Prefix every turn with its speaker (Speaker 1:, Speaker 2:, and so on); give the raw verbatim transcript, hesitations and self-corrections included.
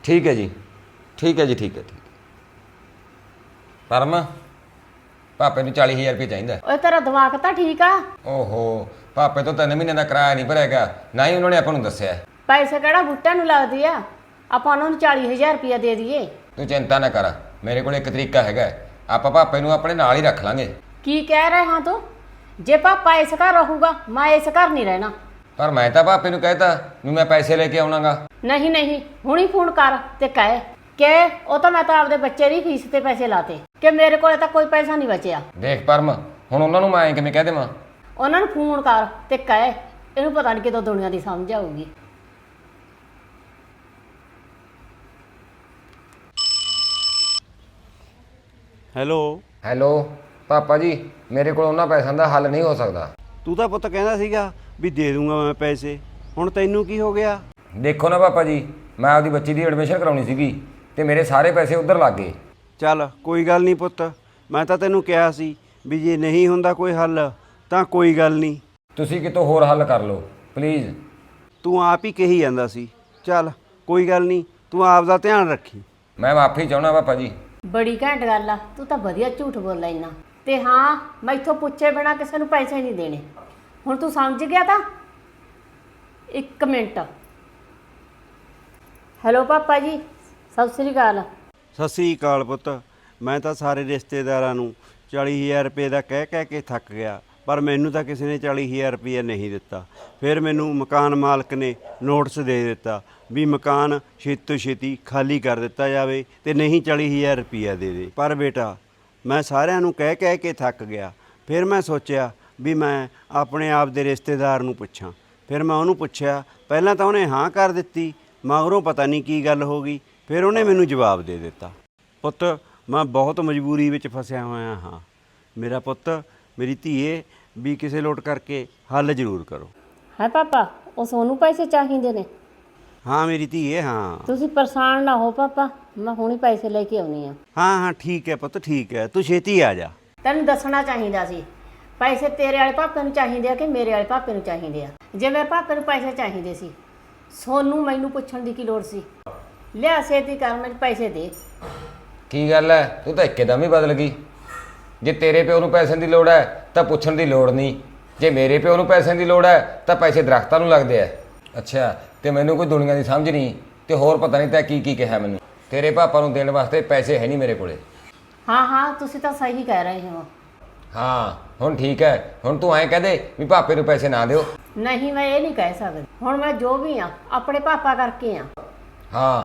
Speaker 1: ठीक है जी, ठीक है जी, ठीक है, ठीक है। परम पापे ਨੂੰ चाली हज़ार रुपये चाहिए।
Speaker 2: ਓਏ ਤੇਰਾ ਦਿਮਾਗ ਤਾਂ ਠੀਕ ਆ।
Speaker 1: ਓਹੋ पापे तो तीन महीने का किराया नहीं भरेगा, ना ही उन्होंने अपन दसिया।
Speaker 2: ਪੈਸੇ ਕਿਹੜਾ ਬੁੱਟਾਂ ਨੂੰ ਲੱਗਦੇ ਆ, ਆਪਾਂ ਉਹਨਾਂ ਨੂੰ ਚਾਲੀ ਹਜ਼ਾਰ ਰੁਪਇਆ ਦੇ ਦਈਏ।
Speaker 1: तू चिंता ना कर, मेरे को एक तरीका है, आप पापे ਨੂੰ अपने नाल ही रख लांगे।
Speaker 2: ਕੀ ਕਹਿ ਰਿਹਾ ਹਾਂ ਤੂੰ? ਜੇ ਪਾਪਾ ਇਸ ਘਰ ਰਹੂਗਾ ਮੈਂ ਇਸ ਘਰ ਨਹੀਂ ਰਹਿਣਾ।
Speaker 1: पर मैं तो पापे ਨੂੰ कहता भी मैं पैसे लेके आउणागा।
Speaker 2: ਨਹੀਂ ਨਹੀਂ ਹੁਣੀ ਫੋਨ ਕਰ ਤੇ ਕਹਿ ਕਿ ਉਹ ਤਾਂ ਮੈਂ ਤਾਂ ਆਪਦੇ ਬੱਚੇ ਦੀ ਫੀਸ ਤੇ ਪੈਸੇ ਲਾਤੇ ਕਿ ਮੇਰੇ ਕੋਲੇ ਤਾਂ ਕੋਈ ਪੈਸਾ ਨਹੀਂ ਬਚਿਆ।
Speaker 1: देख परम ਹੁਣ ਉਹਨਾਂ ਨੂੰ ਮੈਂ ਕਿਵੇਂ ਕਹਿ ਦੇਵਾਂ?
Speaker 2: ਉਹਨਾਂ ਨੂੰ ਫੋਨ ਕਰ ਤੇ ਕਹਿ ਇਹਨੂੰ ਪਤਾ ਨਹੀਂ ਕਿਦੋਂ ਦੁਨੀਆ ਦੀ ਸਮਝ ਆਊਗੀ।
Speaker 3: ਹੈਲੋ
Speaker 1: ਹੈਲੋ ਪਾਪਾ ਜੀ, ਮੇਰੇ ਕੋਲ ਉਹਨਾਂ ਪੈਸਿਆਂ ਦਾ ਹੱਲ ਨਹੀਂ ਹੋ ਸਕਦਾ।
Speaker 3: ਤੂੰ ਤਾਂ ਪੁੱਤ ਕਹਿੰਦਾ ਸੀਗਾ ਵੀ ਦੇ ਦੂੰਗਾ ਮੈਂ ਪੈਸੇ, ਹੁਣ ਤੈਨੂੰ ਕੀ ਹੋ ਗਿਆ?
Speaker 1: ਦੇਖੋ ਨਾ ਪਾਪਾ ਜੀ, ਮੈਂ ਆਪਦੀ ਬੱਚੀ ਦੀ ਐਡਮਿਸ਼ਨ ਕਰਾਉਣੀ ਸੀਗੀ ਤੇ ਮੇਰੇ ਸਾਰੇ ਪੈਸੇ ਉੱਧਰ ਲੱਗ ਗਏ।
Speaker 3: ਚੱਲ ਕੋਈ ਗੱਲ ਨਹੀਂ ਪੁੱਤ, ਮੈਂ ਤਾਂ ਤੈਨੂੰ ਕਿਹਾ ਸੀ ਵੀ ਜੇ ਨਹੀਂ ਹੁੰਦਾ ਕੋਈ ਹੱਲ ਤਾਂ ਕੋਈ ਗੱਲ ਨਹੀਂ,
Speaker 1: ਤੁਸੀਂ ਕਿਤੋਂ ਹੋਰ ਹੱਲ ਕਰ ਲਓ ਪਲੀਜ਼।
Speaker 3: ਤੂੰ ਆਪ ਹੀ ਕਹੀ ਜਾਂਦਾ ਸੀ। ਚੱਲ ਕੋਈ ਗੱਲ ਨਹੀਂ, ਤੂੰ ਆਪ ਦਾ ਧਿਆਨ ਰੱਖੀ।
Speaker 1: ਮੈਂ ਮਾਫੀ ਚਾਹੁੰਦਾ ਪਾਪਾ ਜੀ।
Speaker 2: ਬੜੀ ਘੈਂਟ ਗੱਲ ਆ, ਤੂੰ ਤਾਂ ਵਧੀਆ ਝੂਠ ਬੋਲਦਾ ਇੰਨਾ। ਤੇ ਹਾਂ ਮੈਥੋਂ ਪੁੱਛੇ ਬਿਨਾ ਕਿਸੇ ਨੂੰ ਪੈਸੇ ਨਹੀਂ ਦੇਣੇ। ਹੁਣ ਤੂੰ ਸਮਝ ਗਿਆ ਤਾਂ? ਇੱਕ ਮਿੰਟ। ਹੈਲੋ ਪਾਪਾ ਜੀ, ਸਤਿ ਸ੍ਰੀ ਅਕਾਲ।
Speaker 3: ਸਤਿ ਸ੍ਰੀ ਅਕਾਲ ਪੁੱਤ। ਮੈਂ ਤਾਂ ਸਾਰੇ ਰਿਸ਼ਤੇਦਾਰਾਂ ਨੂੰ ਚਾਲੀ ਹਜ਼ਾਰ ਰੁਪਏ ਦਾ ਕਹਿ ਕਹਿ ਕੇ ਥੱਕ ਗਿਆ, ਪਰ ਮੈਨੂੰ ਤਾਂ ਕਿਸੇ ਨੇ ਚਾਲੀ ਹਜ਼ਾਰ ਰੁਪਏ ਨਹੀਂ ਦਿੱਤਾ। ਫਿਰ ਮੈਨੂੰ ਮਕਾਨ ਮਾਲਕ ਨੇ ਨੋਟਿਸ ਦੇ ਦਿੱਤਾ ਵੀ ਮਕਾਨ ਛੇਤੀ ਤੋਂ ਛੇਤੀ ਖਾਲੀ ਕਰ ਦਿੱਤਾ ਜਾਵੇ ਅਤੇ ਨਹੀਂ ਚਾਲੀ ਹਜ਼ਾਰ ਰੁਪਈਆ ਦੇ ਦੇ। ਪਰ ਬੇਟਾ ਮੈਂ ਸਾਰਿਆਂ ਨੂੰ ਕਹਿ ਕਹਿ ਕੇ ਥੱਕ ਗਿਆ। ਫਿਰ ਮੈਂ ਸੋਚਿਆ ਵੀ ਮੈਂ ਆਪਣੇ ਆਪ ਦੇ ਰਿਸ਼ਤੇਦਾਰ ਨੂੰ ਪੁੱਛਾਂ। ਫਿਰ ਮੈਂ ਉਹਨੂੰ ਪੁੱਛਿਆ, ਪਹਿਲਾਂ ਤਾਂ ਉਹਨੇ ਹਾਂ ਕਰ ਦਿੱਤੀ, ਮਗਰੋਂ ਪਤਾ ਨਹੀਂ ਕੀ ਗੱਲ ਹੋ ਗਈ, ਫਿਰ ਉਹਨੇ ਮੈਨੂੰ ਜਵਾਬ ਦੇ ਦਿੱਤਾ। ਪੁੱਤ ਮੈਂ ਬਹੁਤ ਮਜਬੂਰੀ ਵਿੱਚ ਫਸਿਆ ਹੋਇਆ ਹਾਂ। ਮੇਰਾ ਪੁੱਤ ਮੇਰੀ ਧੀਏ ਵੀ ਕਿਸੇ ਲੋਟ ਕਰਕੇ ਹੱਲ ਜ਼ਰੂਰ ਕਰੋ।
Speaker 2: ਹੈ ਪਾਪਾ, ਉਹ ਸੋਨੂੰ ਪੈਸੇ ਚਾਹੀਦੇ ਨੇ?
Speaker 3: ਹਾਂ ਮੇਰੀ ਧੀਏ, ਹਾਂ
Speaker 2: ਤੁਸੀਂ ਪਰੇਸ਼ਾਨ ਨਾ ਹੋ ਪਾਪਾ, ਮੈਂ ਹੁਣੀ ਪੈਸੇ ਲੈ ਕੇ ਆਉਣੀ ਆ।
Speaker 3: ਹਾਂ ਹਾਂ ਠੀਕ ਹੈ ਪੁੱਤ, ਠੀਕ ਹੈ, ਤੂੰ ਛੇਤੀ ਆ ਜਾ।
Speaker 2: ਤੈਨੂੰ ਦੱਸਣਾ ਚਾਹੀਦਾ ਸੀ, ਪੈਸੇ ਤੇਰੇ ਵਾਲੇ ਪਾਪੇ ਨੂੰ ਚਾਹੀਦੇ ਆ ਕਿ ਮੇਰੇ ਵਾਲੇ ਪਾਪੇ ਨੂੰ ਚਾਹੀਦੇ ਆ। ਜੇ ਮੇਰੇ ਪਾਪੇ ਨੂੰ ਪੈਸੇ ਚਾਹੀਦੇ ਸੀ, ਸੋਨੂੰ ਮੈਨੂੰ ਪੁੱਛਣ ਦੀ ਕੀ ਲੋੜ ਸੀ? ਲਿਆ ਛੇਤੀ ਕਰ, ਮੈਨੂੰ ਪੈਸੇ ਦੇ।
Speaker 1: ਕੀ ਗੱਲ ਹੈ, ਤੂੰ ਤਾਂ ਇੱਕਦਮ ਹੀ ਬਦਲ ਗਈ। ਜੇ ਤੇਰੇ ਪਿਓ ਨੂੰ ਪੈਸਿਆਂ ਦੀ ਲੋੜ ਹੈ ਤਾਂ ਪੁੱਛਣ ਦੀ ਲੋੜ ਨਹੀਂ, ਜੇ ਮੇਰੇ ਪਿਓ ਨੂੰ ਪੈਸਿਆਂ ਦੀ ਲੋੜ ਹੈ ਤਾਂ ਪੈਸੇ ਦਰਖਤਾਂ ਨੂੰ ਲੱਗਦੇ ਆ। ਅੱਛਾ, ਤੇ ਮੈਨੂੰ ਕੋਈ ਦੁਨੀਆ ਦੀ ਸਮਝ ਨਹੀਂ, ਤੇ ਹੋਰ ਪਤਾ ਨਹੀਂ ਤੈਂ ਕੀ ਕੀ ਕਿਹਾ ਮੈਨੂੰ। ਤੇਰੇ ਪਾਪਾ ਨੂੰ ਦੇਣ ਵਾਸਤੇ ਪੈਸੇ ਹੈ ਨਹੀਂ ਮੇਰੇ ਕੋਲੇ।
Speaker 2: ਹਾਂ ਹਾਂ ਤੁਸੀਂ ਤਾਂ ਸਹੀ ਕਹਿ ਰਹੇ ਹੋ।
Speaker 1: ਹਾਂ ਹੁਣ ਠੀਕ ਹੈ, ਹੁਣ ਤੂੰ ਐਂ ਕਹਿ ਦੇ ਵੀ ਪਾਪੇ ਨੂੰ ਪੈਸੇ ਨਾ ਦਿਓ।
Speaker 2: ਨਹੀਂ, ਮੈਂ ਇਹ ਨਹੀਂ ਕਹਿ ਸਕਦੀ। ਹੁਣ ਮੈਂ ਜੋ ਵੀ ਆ ਆਪਣੇ ਪਾਪਾ ਕਰਕੇ ਆ।
Speaker 1: ਹਾਂ